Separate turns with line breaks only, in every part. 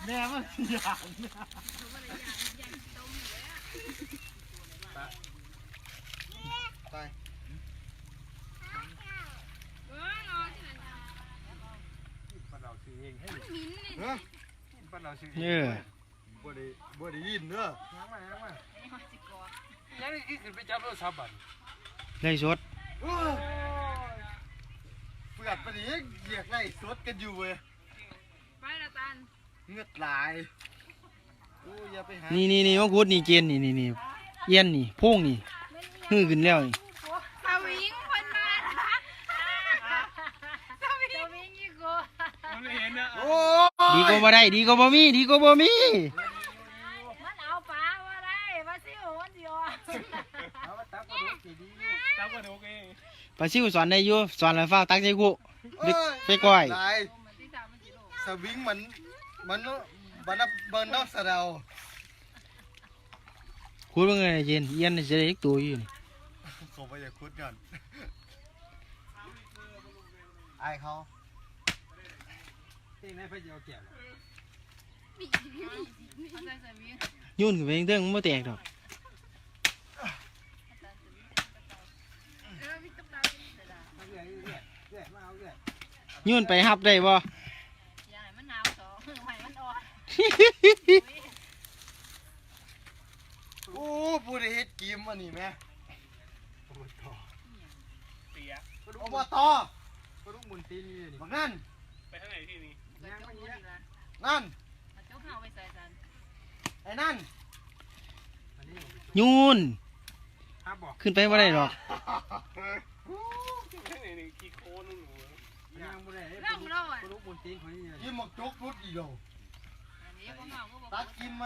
แม่มันอย่างไปปเราซื้อเองให้เฮ้ยปเราซื้อเองบ่ได้ยินเด้อยังมายังนี่ขึ้นไปจับโทรศัพท์บัด
ได้สด
เปิดไปดิเหยียกไล่สดกันอยู่เว้ย
ไปละตัน
เงือดไหลโอ้อย่าไปหา
นี่ว่ากูนี่เกณฑ์นี่เย็นนี่พุ่งนี่ฮือขึ้นแล้วนี่
สวิงคนมาสวิงยี่กู
ไม่เห็นนะโอ้
ดีก็บ่ได้ดีก็บ่มี
มันเอาปลาว่าได้มาซิวมันเดียว
เอาตักกระดูกดีตักกระดูกเอง
ปลาซิวสอนได้อยู่สอนแล้วฟ้าตักใจกูไปก้อย
สวิงมันนอกสะเดา
คุดว่าไงเย็นเย็นจะได้อีกตัวอยู่นี่
ผมไปอยากคุดก่อนไอ้เขาเต้นให้ไปเจียวเกี่ยว
ยุ่นกับเองเรื่องมันไม่แตกดอกยุ่นไปฮับได้บ่
โอ้ผู้ใดเฮ็ดกิมอันนี้แม่อบตกระดูกมุนตีนี่นี่นั่นไปทางไหนที่นี่นั่นไอ้นั่น
ยุ่นขึ้นไปว่าได้หรอก
ยิ้มหมกจกรุดอีโดตัดกินไหม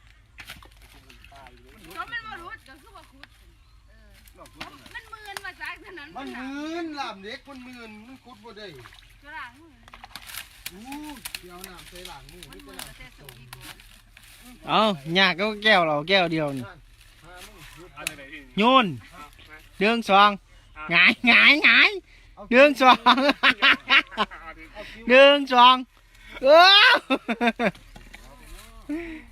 ก็มันมารุดก็คือว่าคุดมันมืนมาจากถนน
มันมืนลามเด็กมันมืนมันคุดบ่ได้
กระหลัง
เดี๋ยวน้ำใส่หลังมือไม่กระหลัง
เอาหยากก็แก้วเราแก้วเดียวนี่โยนเดืองสองหงายเดืองสองเดืองสอง